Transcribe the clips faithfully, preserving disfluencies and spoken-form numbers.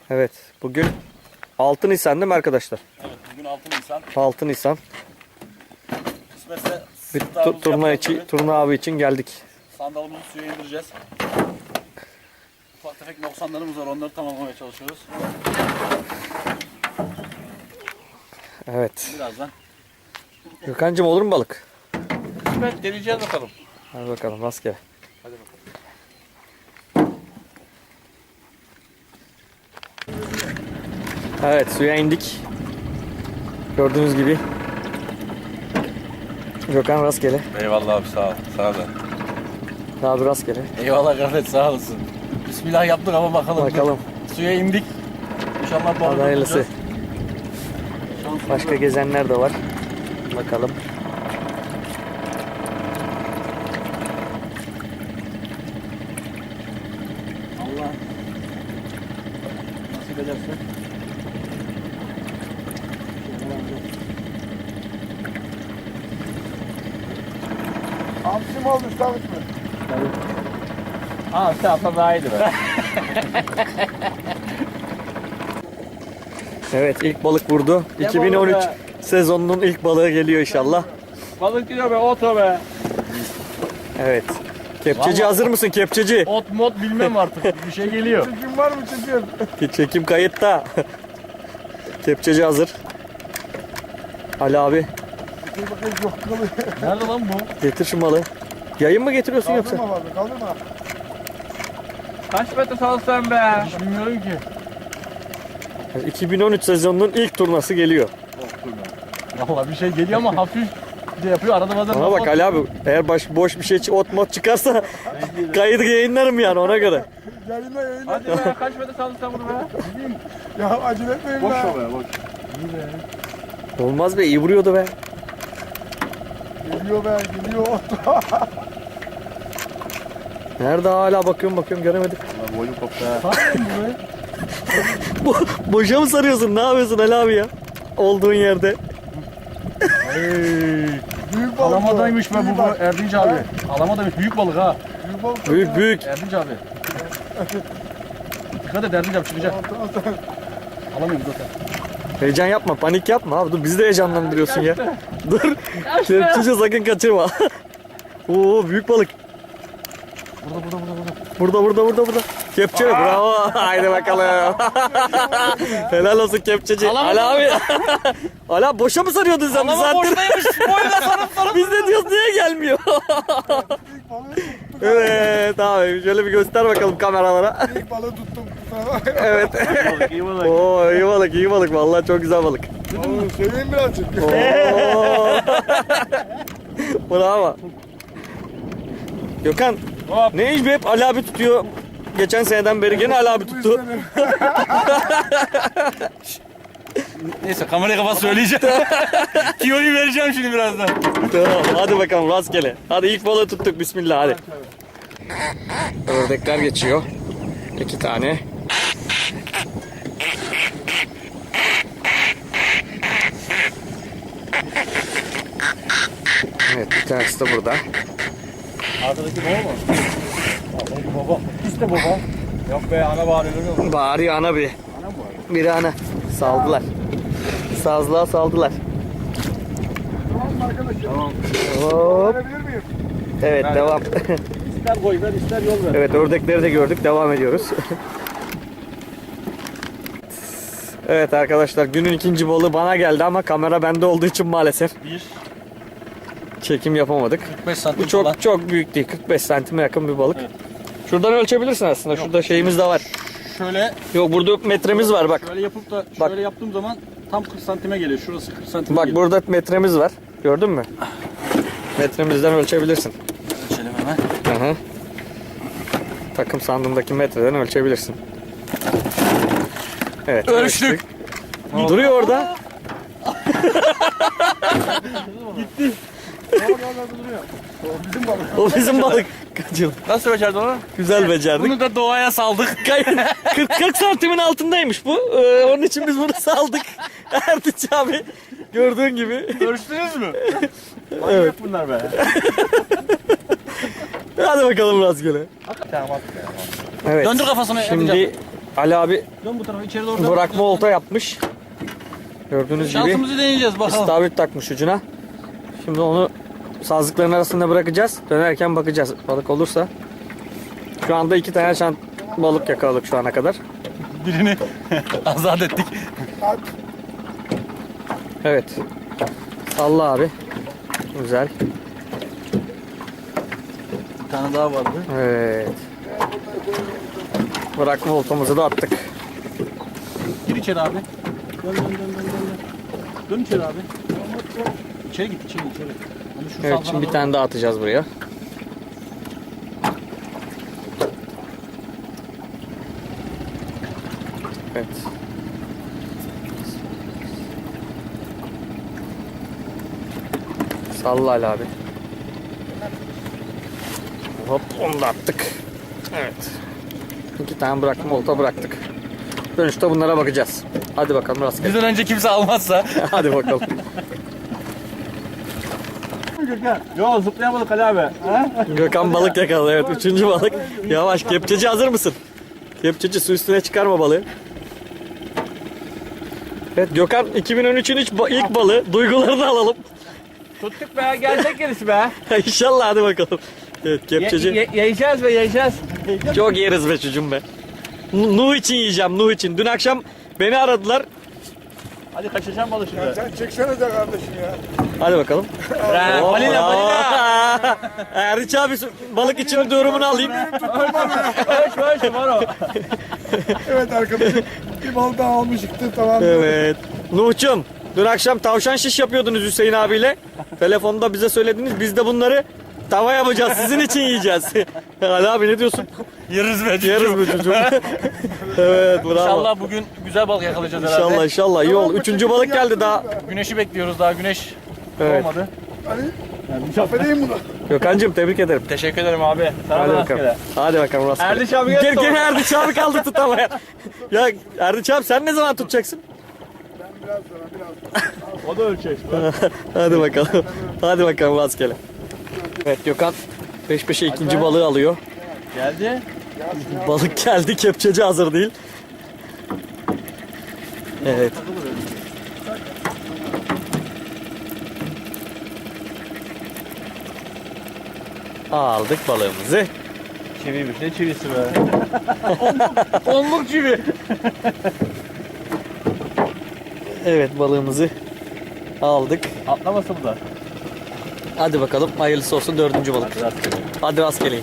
Evet, bugün altı Nisan değil mi arkadaşlar? Evet, bugün altı Nisan. altı Nisan. Kısmetse Bir sırtlarımızı tu- turna, yapacağız içi, tabii. turna avı için geldik. Sandalımızı suya indireceğiz. Ufak tefek noksanlarımız var, onları tamamlamaya çalışıyoruz. Evet. Birazdan. Gökhan'cığım olur mu balık? Kısmet deneyeceğiz bakalım. Hadi bakalım rastgele. Hadi bakalım. Evet, suya indik. Gördüğünüz gibi. Gökhan rastgele. Eyvallah abi, sağ ol. Sağ ol. Abi rastgele. Eyvallah Gafet, sağ olasın. Bismillah yaptık ama bakalım. Bakalım. Suya indik. İnşallah balık Hadi hayırlısı. tutacağız. Başka gezenler de var. Bakalım. Allah nasip ederse. Hamsi mi oldu istavrit mi? Aa, işte atla daha iyiydi be. Evet, ilk balık vurdu. Ne iki bin on üç balığı be? sezonunun ilk balığı geliyor inşallah. Balık gidiyor be, oto be. Evet. Kepçeci Vallahi- hazır mısın kepçeci? Ot mod bilmem artık. Bir şey geliyor. Çekim var mı çekim? Çekim kayıtta. Kepçeci hazır. Ali abi Bir bakayım yok kalıyor. Nerede lan bu? getir şu malı. Yayın mı getiriyorsun yoksa? Kaldırma vardı kaldırma. Kaç metre salsan be? Hiç bilmiyorum ki. iki bin on üç sezonunun ilk turnası geliyor. Valla bir şey geliyor ama hafif de yapıyor. Arada bazen Ona bak Ali abi, eğer baş, boş bir şey ot mod çıkarsa kaydı yayınlarım yani ona göre. Yayınla yayınla. Hadi be, kaç metre saldın sen bunu be? Ya acele etmeyin Boş be. o be, boş. Olmaz be, iyi vuruyordu be. Geliyor be geliyor. Nerede hala bakıyorum bakıyorum göremedik. Valla boynum koptu ha. Bo boşa mı sarıyorsun? Ne yapıyorsun Ali abi ya? Olduğun yerde. Büyük balık. Alamadaymış be Büyük bu balık. Erdinç abi. Alamadaymış, büyük balık ha. Büyük balık. Büyük büyük. Erdinç abi. Dikkat et Erdinç abi, çıkacak. Tamam, tamam, tamam. Alamıyorum zaten. Heyecan yapma, panik yapma abi. Dur bizi de heyecanlandırıyorsun ya. Dur. Kepçeci sakın kaçırma. Oo büyük balık. Burada burada burada burada. Burada burada burada burada. Kepçe bravo. Haydi bakalım. Helal olsun kepçeci. Alamadım. Ali abi. Ali abi boşa mı sarıyordun sen bir Alama saattir? boştaymış. Boyuna sarıp sarıp. Biz de diyoruz niye gelmiyor? İlk balığı tuttum. Evet abi şöyle bir göster bakalım kameralara. İlk balığı tuttum. Evet. balık, iyi balık. Oo iyi balık iyi balık vallahi çok güzel balık. Oğlum seveyim birazcık. Oo. Bravo. Gökhan Hop. ne iş be, hep Ali abi tutuyor. Geçen seneden beri gene Ali abi tuttu. Neyse, kamerayı kapat, söyleyeceğim. Tiyoyu vereceğim şimdi birazdan. Tamam hadi bakalım rastgele. Hadi ilk balığı tuttuk bismillah hadi. Ördekler geçiyor. İki tane. Evet bir tanesi de burada. Arkadaki baba mı? Arkadaki baba. İşte baba. Yok be, ana bağırıyor, görüyor musun? Bağırıyor ana bir. Ana mı bağırıyor? Biri ana. Saldılar. Sazlığa saldılar. Tamam mı arkadaşım? Tamam. Hop. Verebilir miyim? Evet Ben- devam. İster koy ver, ister yol ver. Evet ördekleri de gördük. Devam ediyoruz. Evet arkadaşlar günün ikinci balığı bana geldi ama kamera bende olduğu için maalesef Bir, çekim yapamadık. kırk beş santim Bu çok falan. çok büyük değil. kırk beş santime yakın bir balık. Evet. Şuradan ölçebilirsin aslında. Şurada şeyimiz de var. Şöyle, Yok burada metremiz var bak. şöyle yapıp da Bak. şöyle yaptığım zaman tam kırk santime geliyor. Şurası kırk santime Bak geliyor. burada metremiz var. Gördün mü? Metremizden ölçebilirsin. Ölçelim hemen. Hı hı. Takım sandığındaki metreden ölçebilirsin. Evet. Ölçtük. Duruyor orada. Tamam orada duruyor. O bizim balık. O bizim balık. Kaçırdık. Nasıl becerdin onu? Güzel becerdik. Bunu da doğaya saldık. kırk, kırk santimin altındaymış bu. Ee, onun için biz bunu saldık. Erdinç abi gördüğün gibi. Ölçtünüz mü? Evet. Bunlar be. Hadi bakalım rastgele. Tamam, attık ya. Evet. Döndür kafasını, Şimdi Erdinç Ali abi Dön bu tarafa içeri doğru. dön. bırakma olta yapmış. Gördüğünüz gibi Şansımızı deneyeceğiz bakalım. istavrit takmış ucuna. Şimdi onu sazlıkların arasında bırakacağız. Dönerken bakacağız balık olursa. Şu anda iki tane şant balık yakaladık şu ana kadar. Birini azat ettik. At. Evet. Salla abi. Güzel. Bir tane daha vardı. Evet. Bırakma oltamızı da attık. Gir içeri abi. Dön dön dön dön dön. Dön içeri abi. İçeri git içeri içeri. Hani şu Evet sağ şimdi bir tarafa- tane daha atacağız buraya. Evet. Salla Ali abi. Hop onu da attık. Evet. İki tane bırakma olta bıraktık. Dönüşte bunlara bakacağız. Hadi bakalım rastgele. Bizden önce kimse almazsa. Hadi bakalım. Yo zıplayamadık Ali abi. Ha? Gökhan balık yakaladı. Evet üçüncü balık. Yavaş kepçeci hazır mısın? Kepçeci su üstüne çıkarma balığı. Evet Gökhan iki bin on üçün ilk ba- ilk balığı. Duygularını alalım. Tuttuk be gelecek gerisi be. İnşallah hadi bakalım. Evet kepçeci. Ye, ye, yiyeceğiz be yiyeceğiz. Çok yeriz be çocuğum be. N- Nuh için yiyeceğim Nuh için. Dün akşam beni aradılar. Hadi kaçacağım balık şimdi. Ya sen çeksene de kardeşim ya. Hadi bakalım. Ee, Hoppa. balina balina. Erdiç abi balık için durumunu alayım. Koş koş var o. Evet arkadaşım. Bir bal daha almışıktı tamam. Evet. Nuh'cum dün akşam tavşan şiş yapıyordunuz Hüseyin abiyle. Telefonda bize söylediniz. Biz de bunları tava yapacağız. Sizin için yiyeceğiz. Ali abi ne diyorsun? Yeriz be Yeriz bu çocuğum. Evet bravo. İnşallah bugün güzel balık yakalayacağız herhalde. İnşallah inşallah iyi oldu. Üçüncü balık geldi daha. Güneşi bekliyoruz daha güneş Evet. olmadı. Hani affedeyim bunu. Gökhan'cığım tebrik ederim. Teşekkür ederim abi. Sana Hadi da bakalım. rastgele. Hadi bakalım rastgele. Erdiç abi gel Gel sonra. gene Erdiç abi kaldı tutamaya. Ya Erdiç abi sen ne zaman tutacaksın? Ben biraz sonra biraz sonra. O da ölçek. Hadi bakalım. Hadi bakalım rastgele. Evet Gökhan peş peşe ikinci balığı alıyor. Geldi. Balık geldi, kepçeci hazır değil. Evet. Aldık balığımızı. Çiviymiş ne çivisi be. Onluk çivi. Evet balığımızı aldık. Atlamasın bu da. Hadi bakalım hayırlısı olsun dördüncü balık. Hadi rastgele. Hadi rastgele.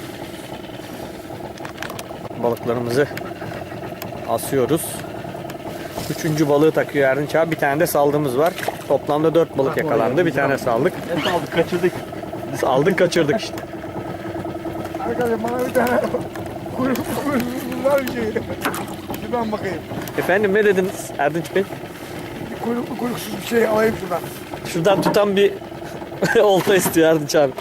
Balıklarımızı asıyoruz. Üçüncü balığı takıyor Erdinç abi. Bir tane de saldığımız var. Toplamda dört balık yakalandı. Bir tane saldık. Ne aldık kaçırdık. Aldık kaçırdık işte. Arkadaşım bana bir tane kuyruk kuyruk var bir şey. Şuradan bakayım. Efendim ne dediniz Erdinç Bey? Bir kuyruklu kuyruksuz bir şey alayım şuradan. Şuradan tutan bir olta istiyor Erdinç abi.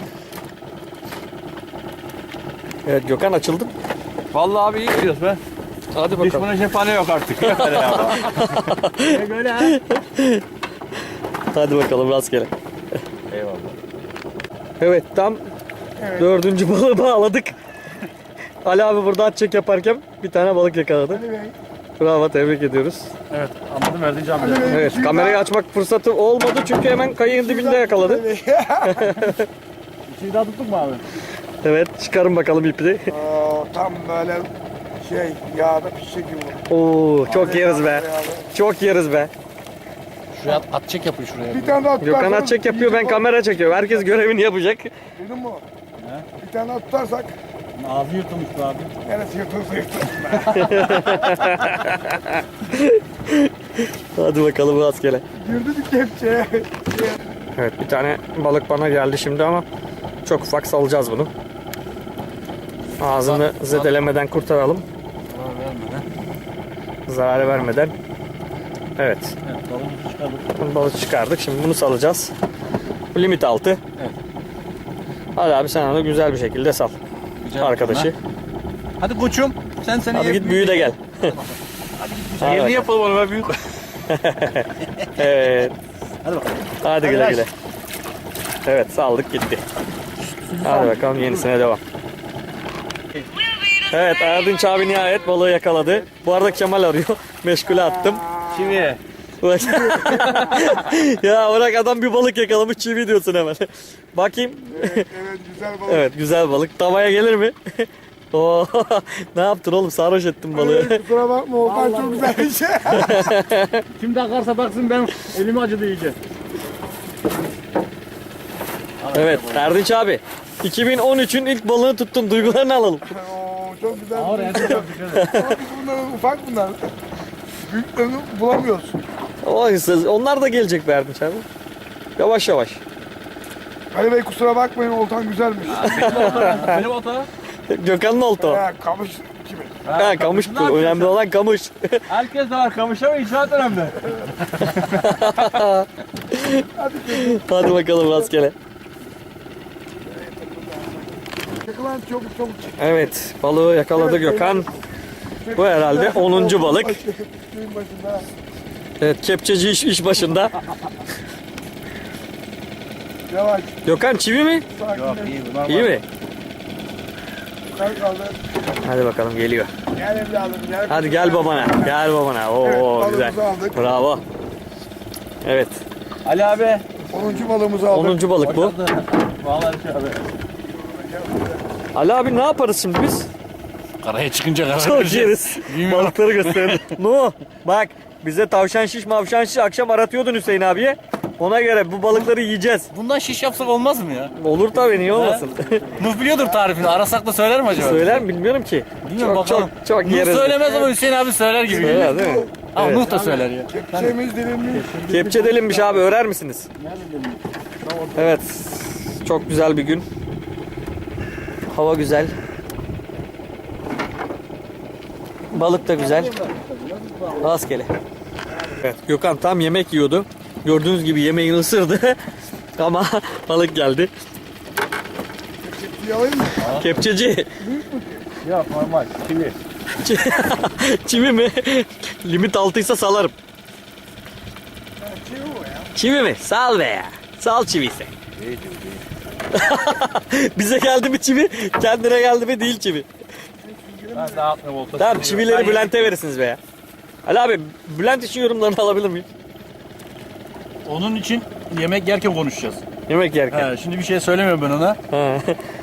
Evet Gökhan açıldı. Vallahi abi iyi gidiyoruz be. Hadi bakalım. Düşmana cephane yok artık. Yok öyle ya. Ne böyle ha? Hadi bakalım rastgele. Eyvallah. Evet tam Evet. dördüncü balığı bağladık. Ali abi burada at çek yaparken bir tane balık yakaladı. Ali Bey. Bravo tebrik ediyoruz. Evet anladım Erdinç abi. Ali Bey. Evet suyu kamerayı daha- açmak fırsatı olmadı çünkü hemen kayığın dibinde yakaladı. Ali Bey. İçini daha tuttuk mu abi? Evet çıkarın bakalım ipi. Oo, tam böyle şey yağda pişecek gibi. Oo çok yeriz be. Yağda. Çok yeriz be. Şuraya at, at çek yapın şuraya. Bir tane daha tutarsak. Gökhan at çek yapıyor ben kamera çekiyorum. Herkes görevini yapacak. Duydun mu? Bir tane daha tutarsak Ağzı yırtılmış be abi. neresi yırtılırsa yırtılsın. Hadi bakalım rastgele. Girdi bir kepçeye. Evet bir tane balık bana geldi şimdi ama çok ufak salacağız bunu. Ağzını zedelemeden kurtaralım. Zarar vermeden. Zarar vermeden. Evet. Evet balığımızı çıkardık. Balık çıkardık. Şimdi bunu salacağız. Bu limit altı. Evet. Hadi abi sen onu güzel bir şekilde sal. Güzel Arkadaşı. bakın ha. Hadi koçum. Sen seni Hadi git büyü de gel. Hadi Yerini bakalım. yapalım onu ben büyük. Evet. Hadi bakalım. Hadi güle güle. Evet saldık gitti. Hadi bakalım yenisine devam. We'll be Evet Erdinç abi nihayet balığı yakaladı. Bu arada Kemal arıyor. Meşgule attım. Çivi. Bak. Ya bırak adam bir balık yakalamış çivi diyorsun hemen. Bakayım. Evet, evet güzel balık. Evet güzel balık. Tavaya gelir mi? Oo, ne yaptın oğlum? Sarhoş ettin balığı. Evet, kusura bakma Okan çok güzel bir şey. Kim takarsa baksın ben elimi acıdı iyice. Evet Erdinç abi. iki bin on üçün ilk balığını tuttun. Duygularını alalım. Oo, çok güzel. Ağır bir yani şey. çok dikkat et. Ama biz bunları ufak bunlar. Büyüklerini bulamıyoruz. O, onlar da gelecek be Erdinç abi. Yavaş yavaş. Ali Bey kusura bakmayın oltan güzelmiş. Benim ota. Gökhan'ın oldu o. Ha, kamış gibi. Ha, kamış bu. Önemli olan kamış. Herkes de var kamışa ama inşaat önemli. Hadi bakalım rastgele. Çakılan çabuk çabuk çek. Evet balığı yakaladı Gökhan. Bu herhalde onuncu balık. Suyun başında. Evet kepçeci iş, iş başında. Yavaş. Gökhan çivi mi? Sakin. iyi bu. İyi mi? Yukarı kaldı. Hadi bakalım geliyor. Gel evladım gel. Hadi gel babana. Gel babana. Oo Evet, güzel. balığımızı aldık. Bravo. Evet. Ali abi. onuncu balığımızı aldık. onuncu balık bu. Vallahi şey abi. Ali abi ne yaparız şimdi biz? Karaya çıkınca karar Çok yeriz. Balıkları gösterelim. No. Bak bize tavşan şiş mavşan şiş akşam aratıyordun Hüseyin abiye. Ona göre bu balıkları yiyeceğiz. Bundan şiş yapsak olmaz mı ya? Olur tabii niye olmasın. Nuh biliyordur tarifini. Arasak da söyler mi acaba? Söyler mi bilmiyorum ki. Bilmiyorum çok, bakalım. çok çok Nuh yeriz. söylemez ama Hüseyin abi söyler gibi. Söyler değil mi? Ama Evet. Nuh da söyler ya. Kepçemiz dilimli. Kepçe delinmiş abi örer misiniz? Evet. Çok güzel bir gün. Hava güzel. Balık da güzel. Rastgele. Evet Gökhan tam yemek yiyordu. Gördüğünüz gibi yemeğini ısırdı. Ama balık geldi. Kepçeyi alayım mı? Kepçeci. Yok normal. Şimdi. Çivi mi? Limit altıysa salarım. Kepçeyi o ya. Çivi mi? Sal be ya. Sal çiviyse. Bize geldi mi çivi? Kendine geldi mi değil çivi. Ben dağıtmıyorum olta. Tamam çivileri Bülent'e verirsiniz be ya. Ali abi Bülent için yorumlarını alabilir miyim? Onun için yemek yerken konuşacağız. Yemek yerken. He, şimdi bir şey söylemiyorum ben ona. Ha.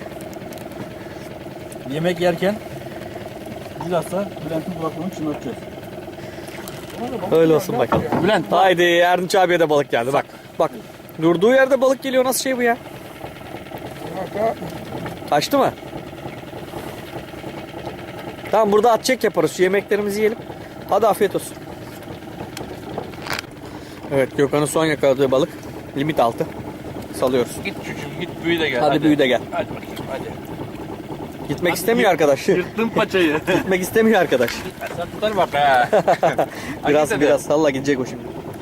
Yemek yerken bilhassa Bülent'in kulaklarını çınlatacağız. Öyle olsun bakalım. Bülent bak. Haydi Erdinç abiye de balık geldi bak. Bak. Durduğu yerde balık geliyor nasıl şey bu ya? Hatta Kaçtı mı? Tamam burada at çek yaparız. Şu yemeklerimizi yiyelim. Hadi afiyet olsun. Evet Gökhan'ın son yakaladığı balık. Limit altı. Salıyoruz. Git çocuğum git büyü de gel. Hadi, büyü de gel. Hadi bakayım hadi. Gitmek Hadi istemiyor yırt- arkadaş. Yırttın paçayı. Gitmek istemiyor arkadaş. Sen tutar bak ha. Biraz Hadi biraz salla gidecek o şimdi.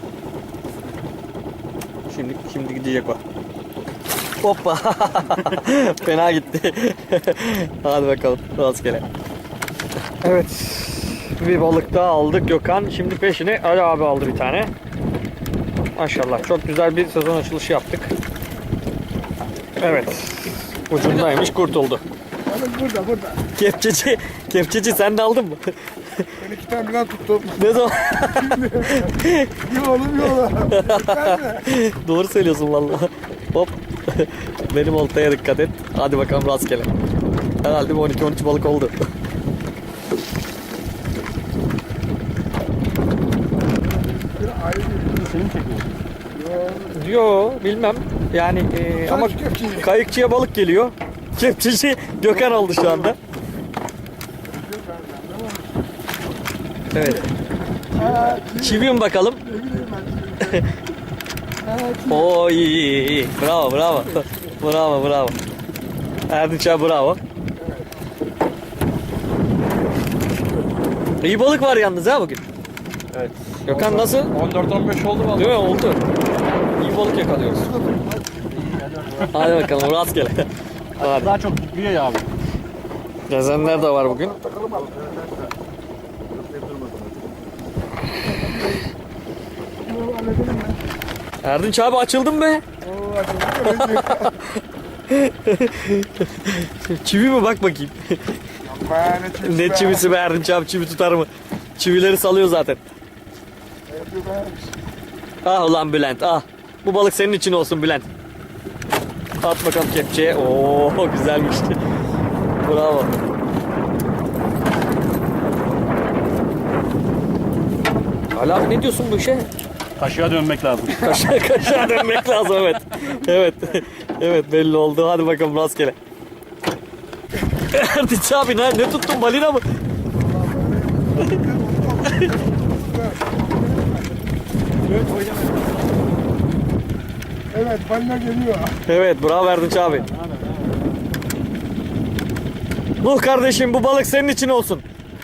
Şimdi şimdi gidecek o. Hoppa. Fena gitti. Hadi bakalım rastgele. Evet. Bir balık daha aldık Gökhan. Şimdi peşine Ali abi aldı bir tane. Maşallah çok güzel bir sezon açılışı yaptık. Evet. Ucundaymış kurtuldu. balık burada burada. Kepçeci, kepçeci sen de aldın mı? Ben iki tane birden tuttum. Ne zaman? Bir oğlum yola. Ben de. Doğru söylüyorsun vallahi. Hop. Benim oltaya dikkat et. Hadi bakalım rastgele. Herhalde bir on iki on üç balık oldu. Bir ayrı bir. Seni mi çekiyor? Yo bilmem. Yani e, ama Kaç kepçeyi? kayıkçıya balık geliyor. Kepçeci Gökhan oldu şu anda. Evet. Ha, Çivi mi bakalım? ne bileyim ben. Ha, Oo iyi iyi iyi. Bravo bravo. Bravo bravo. Erdinç abi bravo. İyi balık var yalnız ha bugün. Evet. Gökhan nasıl? on dört on beş oldu vallahi. Değil mi? Oldu. İyi balık yakalıyoruz. Hadi bakalım rastgele. Hadi. Daha çok büyüyor ya abi. Gezenler de var bugün. takalım abi. Bunu halledelim ben. Erdinç abi açıldın be. Oo, açıldı. Çivi mi bak bakayım. Be ne çivisi Ne be. çivisi be Erdinç abi, çivi tutar mı? Çivileri salıyor zaten. Yapıyor be. Ah ulan Bülent ah. Bu balık senin için olsun Bülent. At bakalım kepçeye. Oo güzelmiş. Bravo. Ali abi ne diyorsun bu işe? Kaşığa dönmek lazım. Kaşığa kaşığa dönmek lazım evet. Evet. Evet belli oldu. Hadi bakalım rastgele. Erdinç abi ne, ne tuttun, balina mı? Evet balina geliyor. Evet bravo Erdinç abi. Nuh kardeşim bu balık senin için olsun.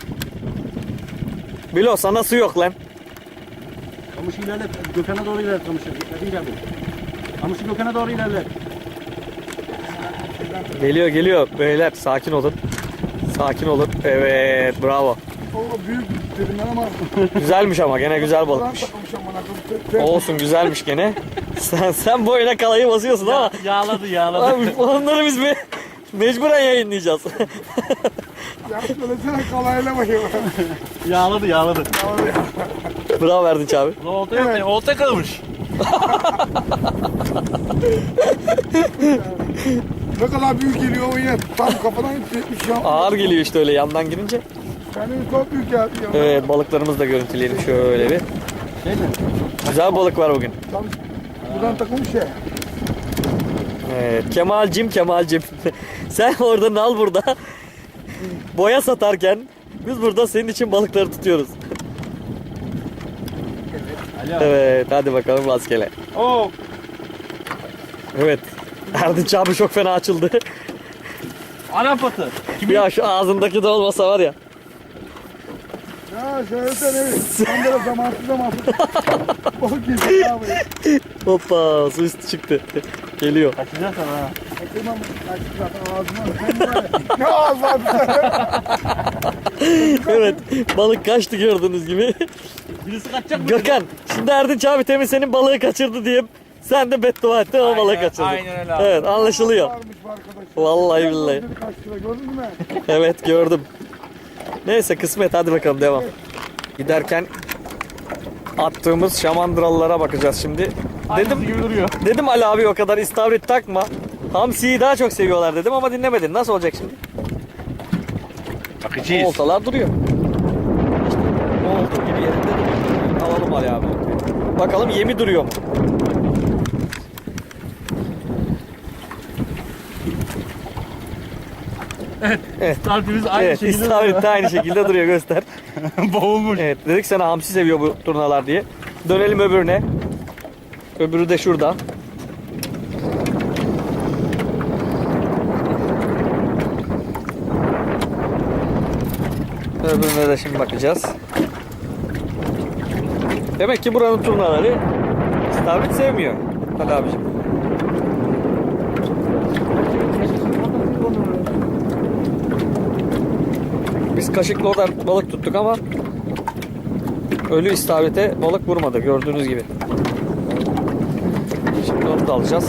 Bilo sana su yok lan. Kamışı ilerlet. Gökhan'a doğru ilerlet kamışı. Hadi ilerlet. Kamışı Gökhan'a doğru ilerlet. Geliyor geliyor beyler, sakin olun. Sakin olun. Evet bravo. O büyük dedim ben ama. Güzelmiş ama gene güzel Ulan balıkmış. takılmış amına koyayım. Olsun güzelmiş gene. Sen sen boyuna kalayı basıyorsun ama Yağladı yağladı. abi onları biz me mecburen yayınlayacağız. Ya söylesene kalayla bakayım. Yağladı yağladı. Bravo Erdinç abi. Olta yok. Evet. Olta kalmış. Ne kadar büyük geliyor o yine. Tam kafadan gitmiş ya. Ağır geliyor işte öyle yandan girince. Kendimi çok büyük geldi ya. Evet balıklarımızı da görüntüleyelim şöyle bir. Şey mi? Güzel balık var bugün. Tam buradan takılmış ya. Evet, Kemal'cim Kemal'cim. Sen orada nal burada. Boya satarken biz burada senin için balıkları tutuyoruz. Alo. Evet hadi bakalım rastgele. Oo. Evet. Erdinç abi çok fena açıldı. Arap atı. Kimin? Ya şu ağzındaki de olmasa var ya. Ya söylesene. Tam böyle zamansız zamansız. Balık geliyor abi. Hoppa su üstü çıktı. Geliyor. Kaçacağız sana ha. Bakayım kaçtı zaten ağzına. Sen de böyle. Ne ağız var bir tane. Evet balık kaçtı gördüğünüz gibi. Birisi kaçacak mı? Gökhan şimdi Erdinç abi temin senin balığı kaçırdı diye sen de beddua ettin o balığı kaçırdı. aynen öyle abi. Evet anlaşılıyor. Varmış bu arkadaş. Vallahi billahi. Kaç lira gördün mü? Evet gördüm. Neyse kısmet hadi bakalım devam. Giderken attığımız şamandıralılara bakacağız şimdi. Dedim Dedim gibi duruyor. dedim Ali abi o kadar istavrit takma. Hamsiyi daha çok seviyorlar dedim ama dinlemedin. Nasıl olacak şimdi? Bakacağız. Oltalar duruyor. İşte olduğu gibi yerinde duruyor. Alalım Ali abi. Bakalım yemi duruyor mu? Evet. Startimiz aynı Evet, şekilde istavrit de aynı şekilde duruyor göster. duruyor. Boğulmuş. Evet, dedik sana hamsi seviyor bu turnalar diye. Dönelim öbürüne. Öbürü de şurada. Öbürüne de şimdi bakacağız. Demek ki buranın turnaları istavrit sevmiyor. Hadi abicim. Biz kaşıkla oradan balık tuttuk ama ölü istavrite balık vurmadı gördüğünüz gibi. Şimdi onu da alacağız.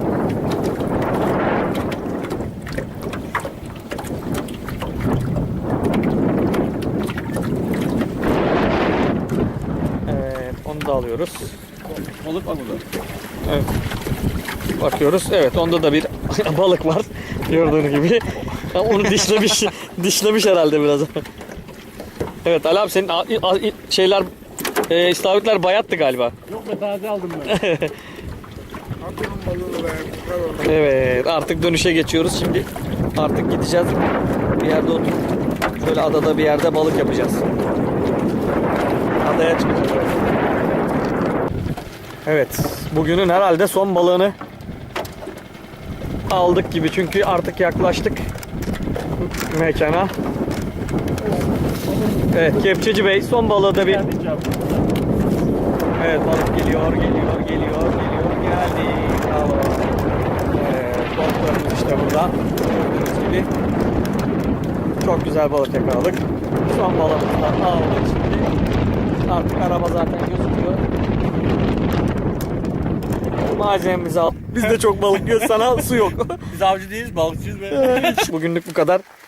Evet, onu da alıyoruz. Balık var burada. Evet. Bakıyoruz. Evet, onda da bir balık var. Gördüğünüz gibi. Ha, onu dişlemiş, dişlemiş herhalde biraz. Evet, Ali abi senin a- a- şeyler, e, istavritler bayattı galiba. Yok be taze aldım ben. Atıyorum balığı be. Çıkar onu. Evet, artık dönüşe geçiyoruz. Şimdi artık gideceğiz. Bir yerde oturup şöyle adada bir yerde balık yapacağız. Adaya çıkacağız. Evet, bugünün herhalde son balığını aldık gibi çünkü artık yaklaştık mekana. Evet, Kepçeci Bey son balığı da bir. Evet, balık geliyor, geliyor, geliyor, geliyor, geldi. Bravo. Evet, balıklarımız işte burada. Gördüğünüz gibi. Çok güzel balık yakaladık. Son balığımızı da aldık şimdi. Artık araba zaten gözüküyor. Malzememizi al. Biz de çok balık yiyoruz, sana su yok. Biz avcı değiliz balıkçıyız be. Bugünlük bu kadar.